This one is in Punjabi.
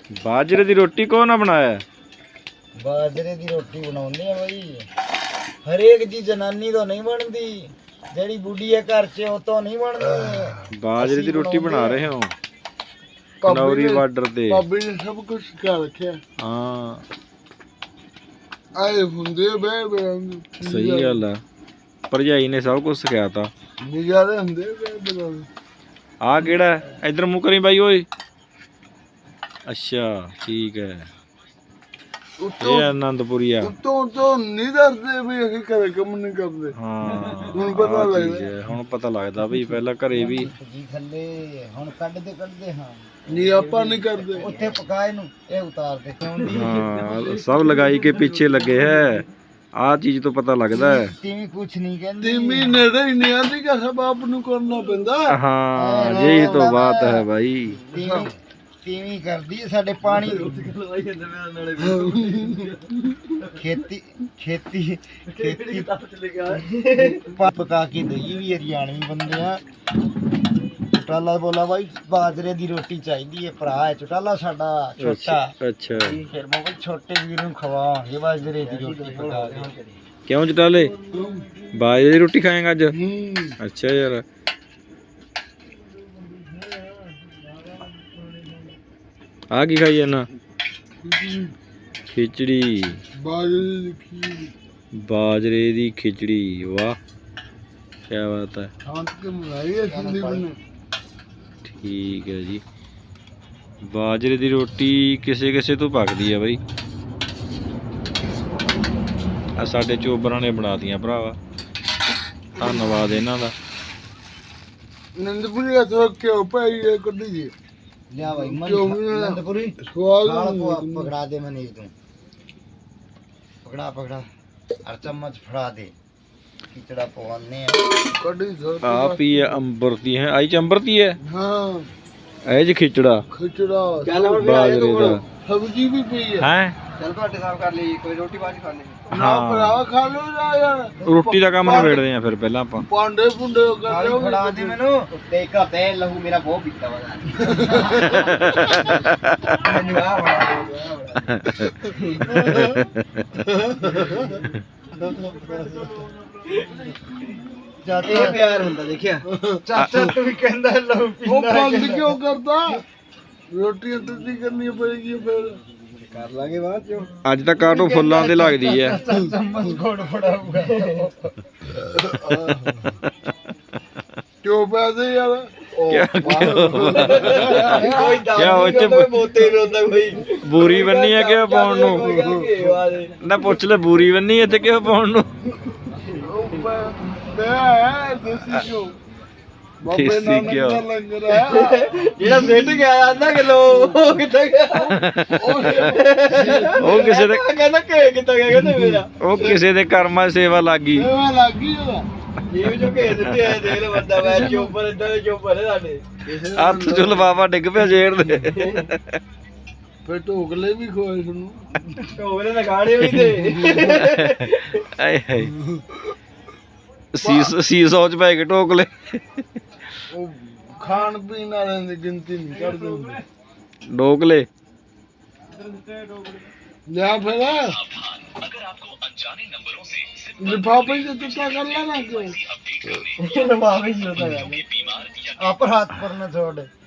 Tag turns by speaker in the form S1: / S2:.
S1: बाजरे दी रोटी कौन ना बनाया?
S2: बाजरे दी रोटी बनाउने आ भाई। हरेक जी जनानी तो नहीं बनती, जेड़ी बुढ़ी है घर च वो तो नहीं बनती।
S1: बाजरे दी रोटी बना रहे हो कनौरी बार्डर ते?
S3: भाभी ने सब कुछ सिखा रखे।
S1: हाँ
S3: आए हुंदे बे
S1: सही गल है, भरजाई ने सब कुछ सिखाया था।
S3: नजारे हुंदे बे बे।
S1: आ केड़ा है? इधर मुंह करी भाई ओए। अच्छा ठीक है, ये आनंदपुरिया।
S3: तो नहीं डरदे भी ਅਸੀਂ ਘਰੇ ਕੰਮ ਨਹੀਂ ਕਰਦੇ।
S1: हाँ
S3: ਹੁਣ ਪਤਾ ਲੱਗਦਾ।
S1: ਹੁਣ ਪਤਾ ਲੱਗਦਾ ਬਈ ਪਹਿਲਾਂ ਘਰੇ ਵੀ
S2: ਜੀ ਥੱਲੇ ਹੁਣ ਕੱਢਦੇ ਹਾਂ।
S3: ਨਹੀਂ ਆਪਾਂ ਨਹੀਂ ਕਰਦੇ।
S2: ਉੱਥੇ ਪਕਾਏ ਨੂੰ ਇਹ ਉਤਾਰਦੇ ਕਿਉਂਦੀ।
S1: हाँ सब लगाई के पीछे लगे है, आ चीज तो पता लगता है।
S2: ਤੀਵੀਂ ਕੁਛ ਨਹੀਂ ਕਹਿੰਦੀ।
S3: ਤੀਮੀ ਨੇੜੇ ਹੀ ਨਹੀਂ ਆਂਦੀ ਕਿ ਸਭ ਆਪ ਨੂੰ ਕਰਨਾ ਪੈਂਦਾ।
S1: हाँ यही तो बात है भाई।
S2: ਤੀਵੀਂ ਕਰਦੀ ਹੈ ਸਾਡੇ ਪਾਣੀ ਖੇਤੀ ਪਕਾ ਕੇ ਦਈ ਵੀ ਹਰਿਆਣਵੀ ਬੰਦੇ ਆ। ਚੁਟਾਲਾ ਬੋਲਾ ਬਾਈ ਬਾਜਰੇ ਦੀ ਰੋਟੀ ਚਾਹੀਦੀ ਹੈ, ਭਰਾ ਹੈ ਚੁਟਾਲਾ ਸਾਡਾ ਛੋਟਾ।
S1: अच्छा
S2: ਫਿਰ ਮੈਂ ਛੋਟੇ ਵੀਰ ਨੂੰ ਖਵਾਵਾਂਗੇ ਬਾਜਰੇ ਦੀ ਰੋਟੀ ਪਕਾ ਕੇ।
S1: क्यों चटाले बाजरे की रोटी खाएगा अज? अच्छा यार आ की खाई है ना? खिचड़ी, बाजरे दी खिचड़ी, वाह क्या बात है। ठीक है जी, बाजरे दी रोटी किसे किसे तो पकदी है बई। आ साडे चोबरां ने बना दियां भरावा, धन्नवाद इन्हां दा।
S3: नंदपुरी तो क्यों पाई है कड्डी जी
S2: ਲਿਆ ਭਾਈ ਨੰਦਪੁਰੀ
S3: ਸਵਾਲ
S2: ਪਕੜਾ ਦੇ ਮਨੀਸ਼ ਤੂੰ। ਪਕੜਾ ਅਰ ਚਮਚ ਫੜਾ ਦੇ। ਖਿਚੜਾ ਪਵਾਨੇ ਆ
S3: कड्डी सर।
S1: आप ही अंबरती है, आई च अंबरती है।
S3: हाँ
S1: ऐ जी खिचड़ा
S3: खिचड़ा
S1: बाजरे दा
S3: सब्जी भी पई है।
S1: हैं।
S2: ਚਲ ਤੁਹਾਡੇ ਸਾਹਬ ਕਰ ਲਈ, ਕੋਈ ਰੋਟੀ ਬਾਜੀ ਖਾਣੇ।
S3: ना भरा खा लो ना यार।
S1: रोटी का काम निबेड़दे आ फिर पहला ਆਪਾਂ।
S3: पांडे पुंडे कर लो।
S2: ਫੜਾ ਦੇ ਮੈਨੂੰ ਤੇ ਇੱਕ ਹੱਥੇ ਲਹੂ ਮੇਰਾ ਬਹੁਤ ਪੀਤਾ ਵਾ। ਮੈਨੂੰ ਆ ਚਾਚਾ ਪਿਆਰ ਹੁੰਦਾ ਦੇਖਿਆ। ਚਾਚਾ ਤੂੰ ਵੀ ਕਹਿੰਦਾ ਲਹੂ
S3: वो
S2: ਪੀਂਦਾ।
S3: बंद क्यों करता? रोटी तो करनी पड़ेगी फिर।
S2: ਕਰ ਲਾਂਗੇ ਬਾਅਦ ਚੋਂ।
S1: ਅੱਜ ਤਾਂ ਕਾਟੋ ਫੁੱਲਾਂ ਤੇ ਲੱਗਦੀ ਐ।
S2: ਚਮਚ ਘੋੜ ਫੜਾਊਗਾ।
S3: क्यों पैसे यार?
S1: क्या हो च
S2: ਮੋਤੇ ਰੋਂਦਾ ਕੋਈ
S1: ਬੂਰੀ ਬੰਨੀ ਆ ਕਿ ਪਾਉਣ ਨੂੰ? ਨਾ ਪੁੱਛ ਲੈ ਬੂਰੀ ਬੰਨੀ ਇੱਥੇ ਕਿਉਂ ਪਾਉਣ ਨੂੰ? देसी घ्यो
S2: ਜਿਹੜਾ ਸਿੱਟ ਗਿਆ ਆਂਦਾ ਕਿਲੋ ਉਹ ਕਿੱਥੇ ਗਿਆ?
S1: ਉਹ ਕਿਸੇ ਦੇ
S2: ਕਹਿੰਦਾ ਕਿ ਕਿੱਥੇ ਗਿਆ? ਕਹਿੰਦਾ ਮੇਰਾ
S1: ਉਹ ਕਿਸੇ ਦੇ ਕਰਮਾਂ 'ਚ ਸੇਵਾ ਲੱਗ ਗਈ।
S2: ਜੀਵ ਜੋ ਘੇ ਦਿੱਤੇ ਆ ਦੇਖ ਲੈ ਬੰਦਾ। ਮੈਂ ਚੋਪਰ ਇਦਾਂ ਦੇ ਚੋਪਰ ਸਾਡੇ
S1: ਹੱਥ 'ਚ ਲਫਾਫਾ ਡਿੱਗ ਪਿਆ ਜੇੜ ਦੇ।
S3: ਫਿਰ ਢੋਕਲੇ ਵੀ ਖੋਏ ਤੁਹਾਨੂੰ।
S2: ਢੋਕਲੇ ਤਾਂ ਖਾਣੇ ਵੀ ਤੇ
S1: ਆਏ ਹਾਏ ਸੀਸੋ 'ਚ ਪੈ ਕੇ ਢੋਕਲੇ।
S3: ਉਹ ਖਾਣ ਪੀਣ ਵਾਲਿਆਂ ਦੀ ਗਿਣਤੀ ਨਹੀਂ ਕਰਦੇ ਹੁੰਦੇ।
S1: ਢੋਕਲੇ
S3: ਲਿਆ ਫਿਰ ਲਿਫਾਫੇ ਚ ਟੁੱਟਾ ਕਰ ਲੈਣਾ ਕਿਉਂ?
S2: ਲਵਾਵੇ ਹੀ ਹੁੰਦਾ। ਆਪ ਹੱਥ ਪਰ ਨਾ ਛੋੜ।